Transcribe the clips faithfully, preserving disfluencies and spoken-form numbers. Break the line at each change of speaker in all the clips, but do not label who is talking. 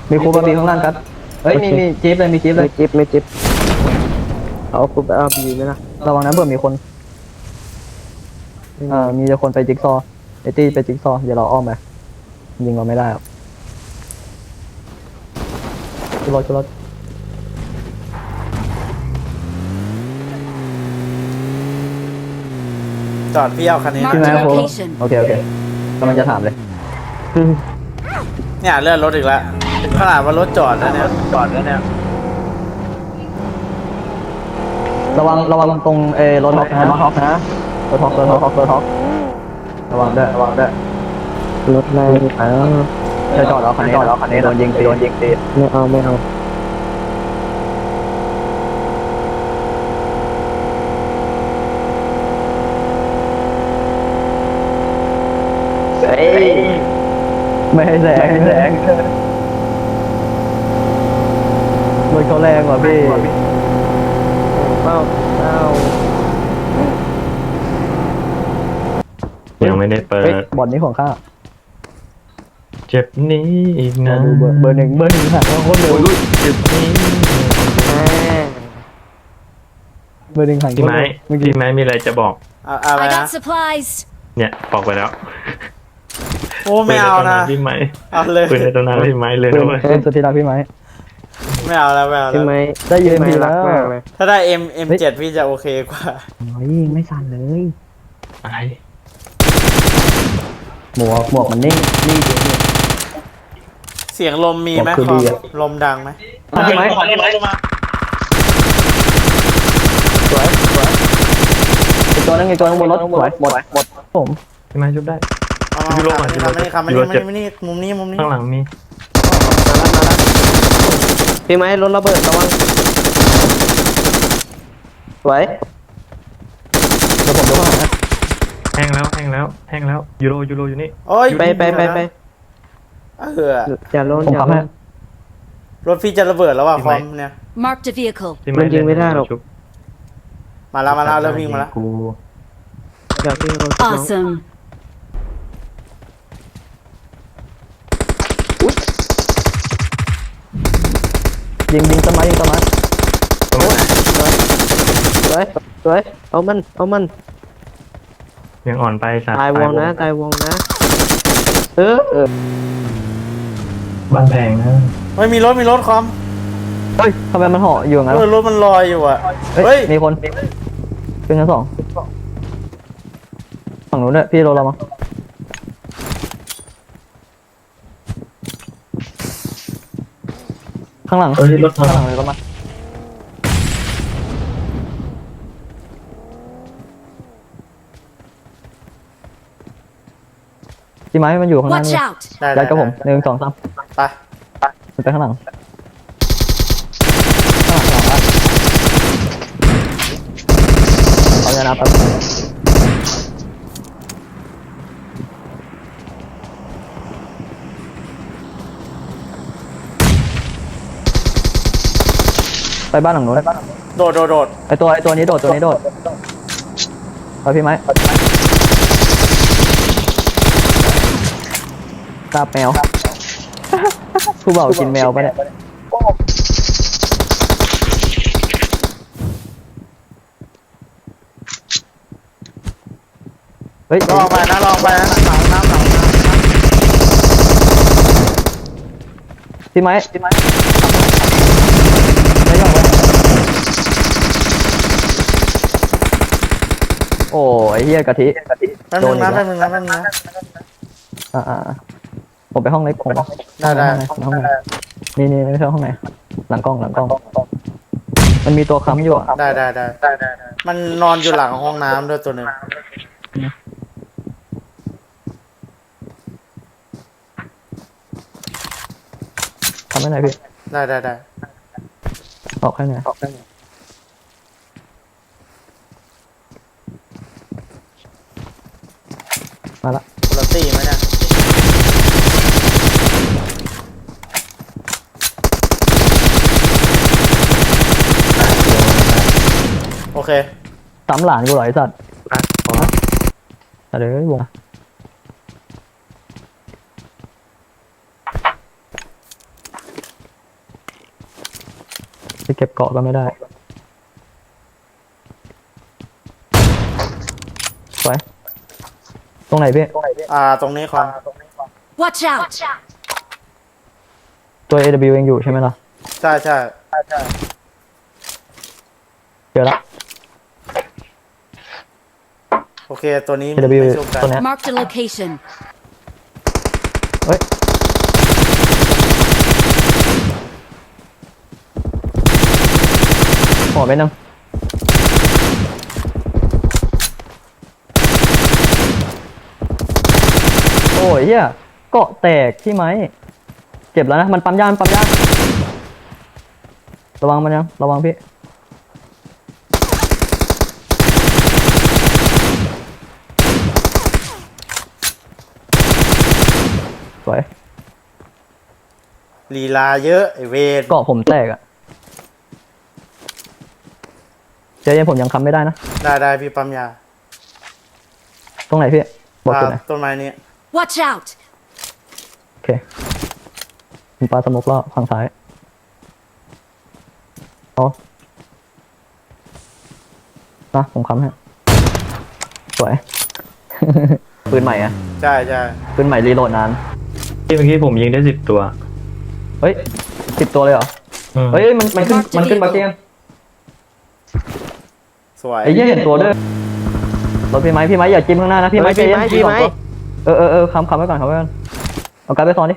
มีคูบาร์บีข้างล่างกันเฮ้ยมีมีจี๊ปเลยมีจี๊ปเล
ไม่
ย
จิ๊บไม่จิ๊บเอาคุณไปเอาบีไหมล่ะ
ระวังนะเผื่อมีคนเอ่อมีแต่คนไปจิ๊กซอว์ไอตี้ไปจิ๊กซอว์เดี๋ยวเราอ้อมไปยิงเราไม่ได้หรอกชุดรถชุดรถ
จอดพี่เอาคันนี้
ใช่ไหม
Marked
โค้
location
โอเคโอเคกำลังจะถามเลย
เนี่ยเลื่อนรถอีกแล้วขนาดว่ารถจอดแล้วเนี่ยจอดแล้วเนี่ย
ระวังระวังตรงเออรถท็อกนะรถท็อกนะรถท็อกรถท็อกรถท็อกระวังด้วยระวังด้วย
รถแรงอ้าว
จะจอดเอาคันนี้จอดเอาคันนี้โดนยิงตีโดนยิงตี
ไม่เอาไม่เอา
เฮ้ยไม่ให้แสงไม่ให้แสงรถเขาแรงกว่าพี่
เป้าเป้า
ยังไม่ได้เปิ
เฮ้ย
ด
บอลนี้ของข้า
เจ็บนี้อีกนะ
ดูเบอร์เบอร์หนึ่งเบอร์หนึ่งหักโคตรเร็ว
เจ็บนี้
แม่
เบอร์หนึ่งหัก
พี่ไม้
เมื่อกี้
พี่ไม้มีอะไรจะบอก
เอาเอาอะไร
I
นะ
got supplies.
เนี่ยบอกไปแล้ว
โอ้ไม่เอานะ
ปืใตำพี่ไม้
เอาเลย
ปืนในตำนานพี่ไม้เลย
เบอ
นะ
ร์
เว้ย
เป็นสุดที่รักพี่ไม้
ไม่เอาแล้วไม่เอา
ใช่
แล้ว
ไหม
ได้ยืน
พี่
พี่
ไม้รั
แล้
ก
ว
มากเลย
ถ้าได้ M M7 พี่จะโอเคกว่า
โอ้ยไม่สั่นเลย
อะไร
หมวกหมวกมันนิ่งนิ่งจริง
เสียงลมมีไหม
บอกคือ
ค
ดี
อม
อะ
ลมดังไหม
พี่ไม้สวยสวยอีกตัวนึงอีกตัวนึงบนรถสวยหมดหมดผม
พี่ไม้ชุบได้
เอา
ยูโรก่อน
มานี่ครับมา
ยู
นี่
โร
ครับมา
เจ็บ
นี่มานี่มุมนี้มุมนี้
ข้างหลังมี
มาแล้วมาแล้วพี่ไม้รถระเบิดระวังสวย
เดี๋ยวผมดูข้างหลังนะ
แห้งแล้วแห้งแล้วแห้งแล้วยูโรยูโรอยู่นี่
โอ้ย
ไปไปไปไป
เออ
อย่าล้น
ผม
อย่า
ขับ
ล้
ให้
น
รถพี่จะระเบิดแล้วว่ะคอมเนี่ย
Marked a vehicle.
พี่
มันยิงไม่ได้หรอก
ชุบ
มาแล้วมาแล้วเริ่มวิ่งมาแล้ว
กู
อย่าพี่รถน้อง
Awesome.
ยิงยิงต้นไม้ยิงต้นไม้
ตรงไหน
สวยสวยเอามันเอามัน
ยังอ่อนไปสัตว์
ตายวงนะตายวงนะเออเออ
บ้านแพงนะ
เฮ้ยมีรถมีรถคอม
เฮ้ยทำไมมันห่ออยู่อย่างนั้น
เออ
วะ
รถมันลอยอยู่อ่ะ
เฮ้
เฮ้
ย
ย
มีคนขึ้นชั้นสองฝั่งนู้นด้วยพี่โรเรามั้งข้างหลัง
เฮ้ยรถ
ข้างหลังเลยก็มาพี่ไม้มันอยู่ข้างหน้า
Watch
นี่
out.
ได้
ยั
ได้
ดกับผมหนึ่งสองสาม
ไป
มันไปข้างหลังข้างหลังข้างหลังบ้านเอาเนี่ยนะแป๊บไปบ้านหลังนู้น
โดดโดดโดด
ไอตัวไอตัวนี้โดดตัวนี้โดดเอาพี่ไม้ตาแมว ผู้บ่าวกินแมวปะเนี่ยเฮ้ย
ลองไปนะลองไปนะหลังน้ำหลังน้
พี่ไม้พี่ไม้ไม่ยอมเลยโอ้ไอเฮียกะทิ
ำแป๊บนึงนะแป๊บนึงนะแป๊บนึงนะ
อ่าอ่าผมไปห้องเล็กผม
ได้ได้
ห้องไหนนี่นี่ไม่ใช่ห้องไหนหลังกล้องหลังกล้อง มันมีตัวค้ำอยู่อ่ะ
ได้ได้ได้ได้ได้มันนอนอยู่หลังห้องน้ำด้วยตัวหนึ่ง
ทำให้ไหนอยพี่
ได้ได้ได้
ออกให้ไหนอยออกให้ไหนอยมาละ
คุณตี้ไหมเนี่ยโอเค
สามหลานกูเหรอไอสัตว์
อ่ะพอ
อะไรเอ้ยวงเก็บเกาะก็ไม่ได้สวยตรงไหนพี่
อ่าตรงนี้คอน
Watch out!
ตัว เอ ดับเบิลยู ยังอยู่ใช่ไหมล่ะ
ใช่ใช่
เจอละ
โอเคตัวนี้
เอ ดับเบิลยู
ไม่ชุบกัน
ตัวเนี้ย
Marked a location.
เฮ้ยขอไปนึงโอ้ยเฮียเกาะแตกที่ไหมเจ็บแล้วนะมันปั๊มยานปั๊มยานระวังมันยังระวังพี่สวย
ลีลาเยอะไอเวร
เกาะผมแตกอะเจ๊ยังผมยังค้ำไม่ได้นะ
ได้ได้พี่ปั๊มยา
ตรงไหนพี่บอกจุดไหน
อ่าต้นไม้นี้
Watch out!
โอเคผมปลาสมุกรอบฝั่งซ้ายเอานะผมค้ำให้สวย ปืนใหม่อะ
ใช่ใช่
ปืนใหม่รีโหลดนาน
ที่เมื่อกี้ผมยิงได้สิบตัว
เฮ้ยสิบตัวเลยเหรอ
อืม
เฮ้ยมันมันขึ้นมันขึ้นมาเกม
สวย
ไอ้เหี้ยเห็นตัวด้วยรถพี่ไม้พี่ไม้อย่าจิ้มข้างหน้านะพี่ไม้
เฮ้ยพี่ไม้
ใจ
พี่
เย็น
ไม้
สองตัวเออเออเออค้ำค้ำไว้ก่อนค้ำไว้ก่อนเอาการ์ดไปซ้อนดิ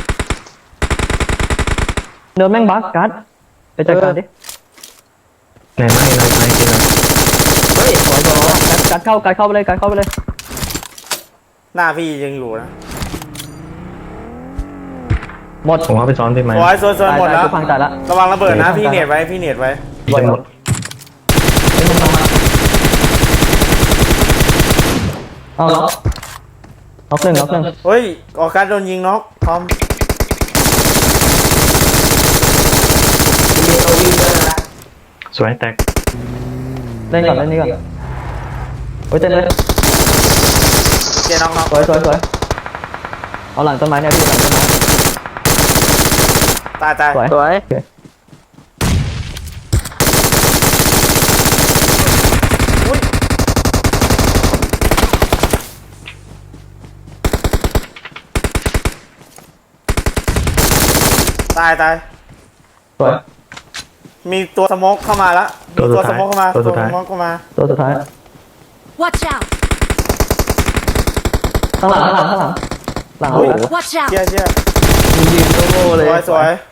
เนินแม่งบักการ์ดไปจัดการดิ
ไหนไม่ไม่ไม่กินเลย
เฮ้ย
สวยสวยการ์ดเข้าการ์ดเข้าไปเลยการ์ดเข้าไปเลย
หน้าพี่ยังอยู่นะ
หมด
ผมเอาไปซ้อนได้ไหม
สวยสวยสวยหมดแล้ว
ตายตายพังตายละ
ระวังระเบิดนะพี่เน็ตไว้พี่เน็ตไว้
ยิงหมด
ไอ้มึงมามาเอาล็อกล็อกหนึ่งล็อกหนึ่ง
เฮ้ยออกการโดนยิงน็อกทอม
สวยแตก
เล่นก่อนเล่นนี่ก่อนโอ้ยเต็มเลย
เจน็อกน็อก
สวยสวยสวยเอาหลังต้นไม้เนี่ยพี่หลังต้นไม้
ตายตาย
สวย
สวย
โอเค
ตายตาย
สวย
มีตัวสโมกเข้ามาแล้วมี
ตัวสุ
ตั
ด
วส
ท้าย
โมกเข้ามา
ตัวสุดท้าย
สโมกเข้ามา
ตัวสุดท้าย
Watch out!
ข้างหลังข้างหลังข้างหลังหลังเอาแล้ว
Watch out!
เชี่ยเชี่ย
ยิงโง่ๆ
ส
เลย
วยสวย